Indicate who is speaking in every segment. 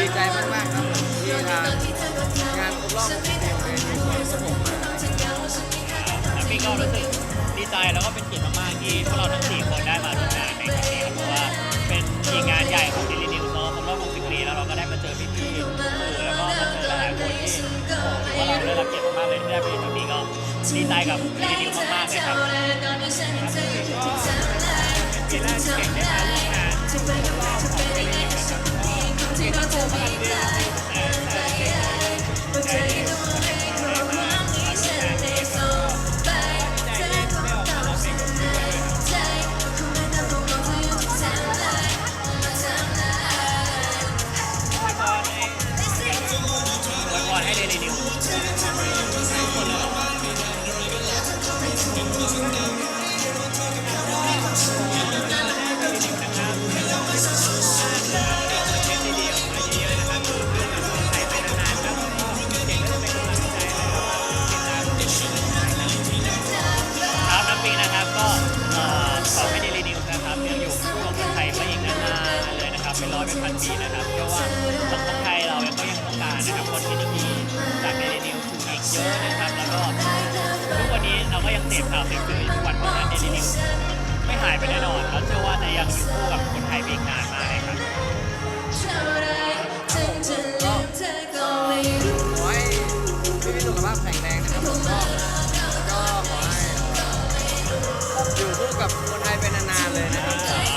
Speaker 1: ดีใจมากๆครับผมที่ทางงานครบรอบ60ปีของเดนิวก็ผมมา
Speaker 2: แล้วพี่ก็รู้สึกดีใจแล้วก็เป็นเกียรติมากๆที่พวกเราทั้ง4คนได้มาร่วมงานในครั้งนี้ครับเพราะว่าเป็นอีกงานใหญ่ของ Daily News เนาะครบรอบ60 ปีแล้วเราก็ได้มาเจอพี่ๆสื่อแล้วก็มาเจอหลายคนที่ถือว่าเราได้รับเกียรติมากๆเลยที่ได้ไปครั้งนี้ก็ดีใจกับ Daily News มากๆเลยครับปีแรกที่เก่งได้มาร่วมงานของ Daily News นะครับก็เก่งก็โตมาเรื่อยๆแต่ให้Daily Newsทุกคนเลยครับน้ำปิงนะครับก็ขอให้Daily Newsนะครับยังอยู่คู่กับคนไทยไปอีกนานๆเลยนะครับเป็นร้อยเป็นพันปีนะครับเชื่อว่าสังคมไทยเราก็ยังต้องการนะครับคนที่ดีๆจากDaily Newsอีกเยอะนะครับแล้วก็ทุกวันนี้เราก็ยังเสพข่าวเสพสื่อทุกวันเพราะฉะนั้นDaily Newsไม่หายไปแน่นอนแล้วเชื่อว่าจะยังอยู่คู่กับคนไทยไปอีกนานมากเลยครับ
Speaker 1: ขอให้พี่สุขภาพแข็งแรงนะครับผมแล้วก็ขอให้อยู่คู่กับคนไทยไปนานๆเลยนะครับ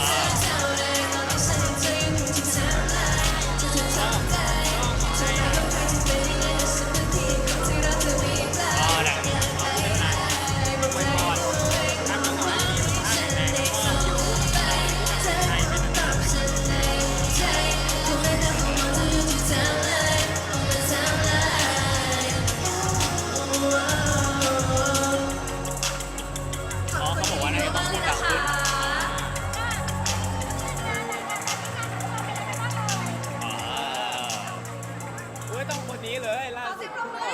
Speaker 2: ต้องคนนี้เลยล่าสุด
Speaker 1: ครับผม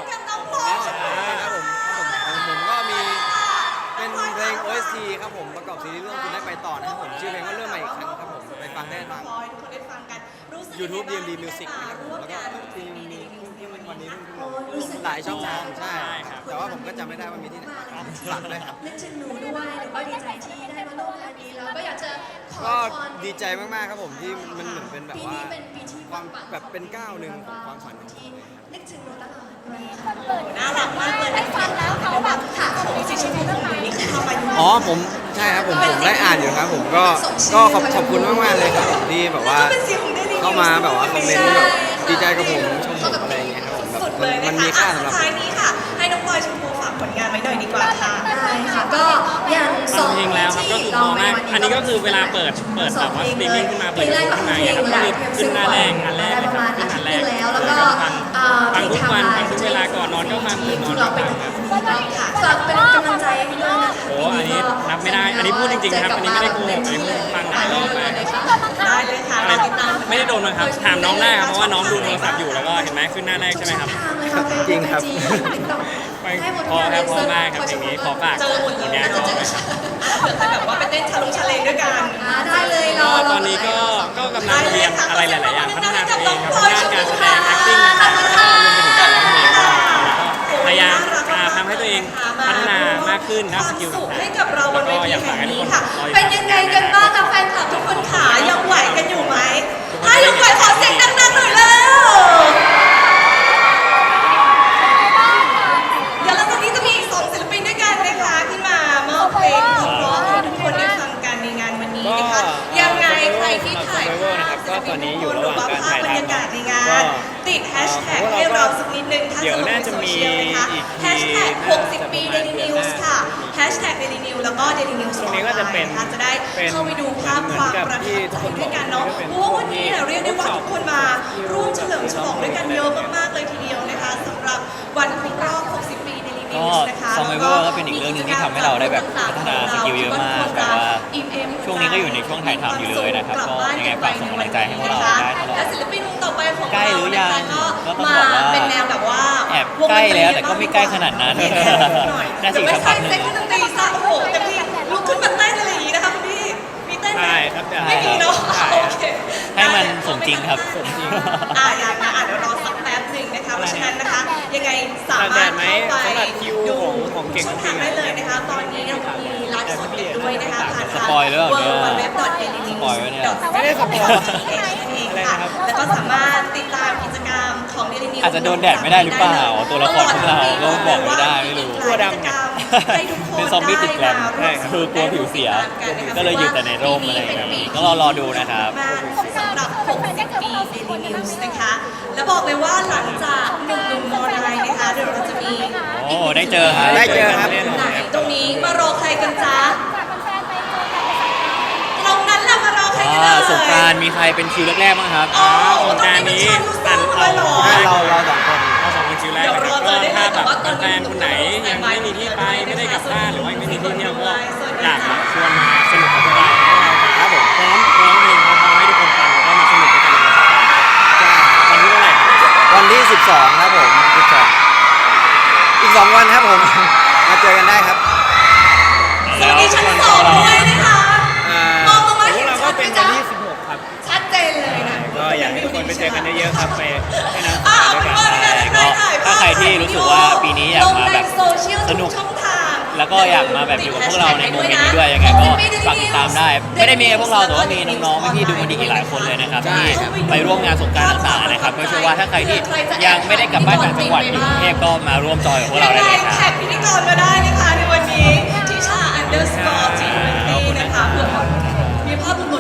Speaker 1: ก็มีเป็นเพลง OST ครับผมประกอบซีรีส์เรื่องคุณได้ไปต่อนะครับผมชื่อเพลงว่าเริ่มใหม่อีกครั้งครับผมไปฟังได้ทาง YouTube DMD Music นะครับผมแล้วก็ที่มีวันนี้หลายช่องทางใช่ครับแต่ว่าผมก็จำไม่ได้ว่ามีที่ไหนฝากด้วยครับ
Speaker 3: นึกถึงหนูด้วยหรือว่าดีใจที่ได้มาร่วมงานนี้แล้วก็อยากจะขอ
Speaker 1: ก็
Speaker 3: พร
Speaker 1: ดีใจมากๆครับผมที่มันเหมือนเป็นแบบว่า
Speaker 3: ปีนี้เป็นปีที่
Speaker 1: ความแบบเป็นก้าวหนึ่งของความฝันของผม
Speaker 3: นึกถึงหนูตลอด
Speaker 4: น่ารักมากเลยได้ฟังแล้วเขาแบบถามมีสิทธิ์ชีวิตเรื่องไหนนี่คือทำไปอยู่
Speaker 1: อ๋อผมใช่ครับผมได้อ่านอยู่ครับผมก็ขอบคุณมากๆเลยครับผมที่แบบว่าเข้ามาแบบว่าคอมเมนต์แบบดีใจกับผมชมผมอะไรอย่างเงี้ยครับผมแบบ
Speaker 4: สุดเลย
Speaker 1: มัน
Speaker 4: นะ
Speaker 1: มี
Speaker 4: คะ
Speaker 1: ค่าสำหรับ
Speaker 4: ท้ายนี้ค่ะ ให้น้องพลอยชมพูฝากผลงานไว้หน่อยดีกว่าค่ะ
Speaker 3: ได้ค่ะก็อย่างสอง
Speaker 2: จริงแล้วครับก็คือพอมากอันนี้ก็คือเวลาเปิดแบบว่าสตรีมมิ่งขึ้นมาเปิดยูทูบขึ้นมาอย่างเงี้ยครับก็คือขึ้นหน้าแรกอันแรกเลยครับขึ้นอันแรก
Speaker 3: แล้วก็
Speaker 2: ฟังทุกวันฟังทุกเวลาก่อนนอนก็ฟังตื่นนอนก็ฟังครับ
Speaker 3: ฝากเป็นกำลังใจให้ด้วยนะคะ
Speaker 2: โอ้อันนี้นับไม่ได้อันนี้พูดจริงๆนะครับอันนี้ไม่ได้โกหกอันนี้พูดฟังหลายรอบมาก
Speaker 4: ได้เลยค่ะรอติดตาม
Speaker 2: ไม่ได้โดนบังคับถามน้องได้ครับเพราะว่าน้องดูโทรศัพท์อยู่แล้วก็เห็นไหมขึ้นหน้าแรกใช่ไหมครับ
Speaker 1: จริงครับ
Speaker 2: พอครับพอมากครับเพลงนี้ขอฝาก
Speaker 4: เจอหมด
Speaker 2: ผ
Speaker 4: เล
Speaker 2: ล
Speaker 4: ย
Speaker 2: งาน
Speaker 4: เจ
Speaker 2: ต่
Speaker 4: อ
Speaker 2: อ
Speaker 4: เจ
Speaker 2: ไป
Speaker 4: อ
Speaker 2: ครับ
Speaker 4: เผื่อจะแบบว่าไปเต้นชาเลนด้วยกัน
Speaker 3: ได้เลย
Speaker 2: ก็ตอนนี้ก็กำลังเรียนอะไรหลายๆอย่างพัฒนาตัวเองครับด้านการแสดง acting ต่างๆแล้วก็รวมไปถึงการร้องเพลงด้วยแล้วก็พยายามทำให้ตัวเองพัฒนามากขึ้นด้านสกิล
Speaker 4: สุข
Speaker 2: ต่าง
Speaker 4: ให้
Speaker 2: ๆ
Speaker 4: กับเราบ
Speaker 2: แล้ว
Speaker 4: นเว
Speaker 2: ก็อ
Speaker 4: ที
Speaker 2: ยากฝา
Speaker 4: แห่
Speaker 2: ก
Speaker 4: ง
Speaker 2: ให้ทุก
Speaker 4: นี้
Speaker 2: คน
Speaker 4: ค่ะ
Speaker 2: รออยู่
Speaker 4: เป็นยังไงกันบ้างคะแฟนคลับทุกคนขายังไหวกันอยู่ไหมถ้ายังไหวขอเสียงดังๆหน่อยแล้วเดี๋ยวหลังจากนี้จะมีอีก2ศิลปินด้วยกันนะคะขึ้นมามอบเพลงเพราะๆให้ทุกคนได้ฟังกันในงานวันนี้นะคะยังไงใครที่ถ่ายภาพ
Speaker 2: นะครับก็ตอนนี้อยู่ระหว่างการถ่าย
Speaker 4: บรรยากาศในงานติดแฮชแท็กให้เราสักนิดนึงถ้า
Speaker 2: เดี๋
Speaker 4: ส
Speaker 2: ยว
Speaker 4: นุก
Speaker 2: น่า
Speaker 4: ใน
Speaker 2: จะ
Speaker 4: โซ
Speaker 2: มี
Speaker 4: เชียลนะคะ
Speaker 2: อีก
Speaker 4: แฮชแท็ก60 ปี Daily News ค่ะแฮชแท็ก Daily News แล้วก็ Daily News
Speaker 2: ตรงนี้ก็จะเป็น
Speaker 4: จะได้เข้าไปดูภาพความประทับใจด้วยกันเนาะเพราะว่าวันนี้เรียกได้ว่าทุกคนมาร่วมเฉลิมฉลองด้วยกันเยอะมากๆเลยทีเดียวนะคะสำหรับวันครบรอบ 60 ปี Daily
Speaker 5: ก็
Speaker 4: News นะคะ
Speaker 5: Survivor ก็เป็นอีกเรื่องหนึ่งที่ทำให้เราได้แบบพัฒนาสกิลเยอะมากแบบว่าช่วงนี้ก็อยู่ในช่วงถ่ายทำอยู่เลยนะครับก็ยังไงฝากส่งกำลังใจให้พวกเราได้ตลอด
Speaker 4: และศิลปินวงต่อไปของ
Speaker 5: ใกล้
Speaker 4: เรา
Speaker 5: หรือยัง
Speaker 4: ก็
Speaker 5: ก็ต้อง
Speaker 4: มา
Speaker 5: บอกว่า
Speaker 4: เป็นแนวแบบว่า
Speaker 5: แอบใกล้แล้วแต่ก็ไม่ใกล้ขนาดนั้น น่าจะอีก
Speaker 4: ไม่
Speaker 5: สักพั
Speaker 4: ใช่
Speaker 5: กหนึ่ง
Speaker 4: เซ็ตดนตรีซะโอ้โหเต็มที่ลุกขึ้นมาเต้นอะไรอย่างนี้นะคะคุณพี่มีเต้นไหม
Speaker 2: ใช่ครับ
Speaker 4: ไม่มีเนาะ
Speaker 2: ใช่
Speaker 4: โอเค
Speaker 5: ถ้ให้มันสมจริงครับ
Speaker 2: สมจริง
Speaker 4: อย่างนะเดี๋ยวรอสักแป๊บหนึ่งนะคะเพราะฉะนั้นนะคะยังไงสามารถเข้าไป
Speaker 2: สำหรับคิว
Speaker 4: ดู
Speaker 2: ของเก่ง
Speaker 4: ช่องทางได้เลยนะคะตอนนี้เรามีไลฟ์สดกันด้วยนะคะผ่าน
Speaker 5: สปอยล์หรือเปล่าเนี่ย
Speaker 4: www.dailynews
Speaker 5: สปอยล์ไว้เนี่ย
Speaker 2: ไม่ได้สปอยล์
Speaker 4: เองค่ะแล้วก็สามารถติดตามกิจกรรมของ Daily News
Speaker 5: อาจจะโดนแดดไม่ได้หรือเปล่าตัวละครพวกเราก็บอกไม่ได้ไม่รู้
Speaker 2: ตัวดำไง
Speaker 4: ให้ทุกคน
Speaker 5: เป็นซอมบี้ติดแกรม
Speaker 4: ได้
Speaker 5: คือกลัวผิวเสีย ก็เลยอยู่แต่ในร่มอะไรอย่างเงี้ยก็รอดูนะครับ
Speaker 4: มากสำหรับ 60 ปี Daily News นะคะ แล้วบอกเลยว่าหลังจากหนุ่มๆโมนายนะคะเดี๋ยวเราจะมี
Speaker 5: โอ้ได้เจอครับ
Speaker 1: ได้เจอครับ
Speaker 4: ไหนตรงนี้มารอใครกันจ๊ะตรงนั้นล่ะมารอใครกันเลย
Speaker 5: สงกรานต์มีใครเป็นคิวแรกๆบ้างครับ
Speaker 4: อ๋อ
Speaker 2: สงกรานต์นี้
Speaker 4: ตันเอาเหรอ
Speaker 1: เราสองคน
Speaker 2: เราสองคนคิวแรกนะครับก็ถ้าแบบแฟนๆคนไหนยังไม่มีที่ไปไม่ได้กลับบ้านหรือว่าไม่มีที่เที่ยวก็อยากแบบชวนมาสนุกกับพวกเรา
Speaker 1: ครับผม
Speaker 2: พร้อมร้องเพลงเพราะๆให้ทุกคนฟังแล้วก็มาสนุกด้วยกันในวันสงกรานต์วันนี้เท่าไหร่ครับ
Speaker 1: วันที่ 12 ครับผม 12 อีก 2 วันครับผม มาเจอกันได้ครับ
Speaker 4: สวัสดีชั้นสองด้วยนะคะ มองลงมา
Speaker 2: พว
Speaker 4: เห็
Speaker 2: ก
Speaker 4: น
Speaker 2: เรา
Speaker 4: ชั
Speaker 2: ก็
Speaker 4: ดไหม
Speaker 2: เป็นวั
Speaker 4: จ๊ะ
Speaker 2: นที่16ครับ
Speaker 4: ชัดเจนเลยนะ
Speaker 2: ก็อยากให้ทุกคนไปเจอกันเยอะๆครับไปให้น้ำส
Speaker 4: อ้าว
Speaker 2: งกรานต์ด้วยกัน
Speaker 5: ก็ถ้าใครที่รู้สึกว่าปีนี้อยากมาแบบ
Speaker 4: ลงในโซเชียล
Speaker 5: สนุก
Speaker 4: ทุช่องทาง
Speaker 5: แล้วก็อยากมาแบบอยู่กับพวกเราในโมเมนต์นี้ด้วยยังไงก็ฝากติดตามได้ ไม่ได้มีแค่พวกเราแต่ว่ามีน้องๆพี่ๆดูมันดีอีกหลายคนเลยนะครับที่ไปร่วมงานสงกรานต์ต่างๆนะครับก็เชื่อว่าถ้าใครที่ยังไม่ได้กลับบ้านต่างจังหวัดอยู่กรุงเทพก็มาร่วมจอยกับพวกเราได้เลยครับ
Speaker 4: แท็กพิธีกรมาได้นะคะในวันนี้ทิชา underscore G20 นะคะเพื่อมีภาพหลุด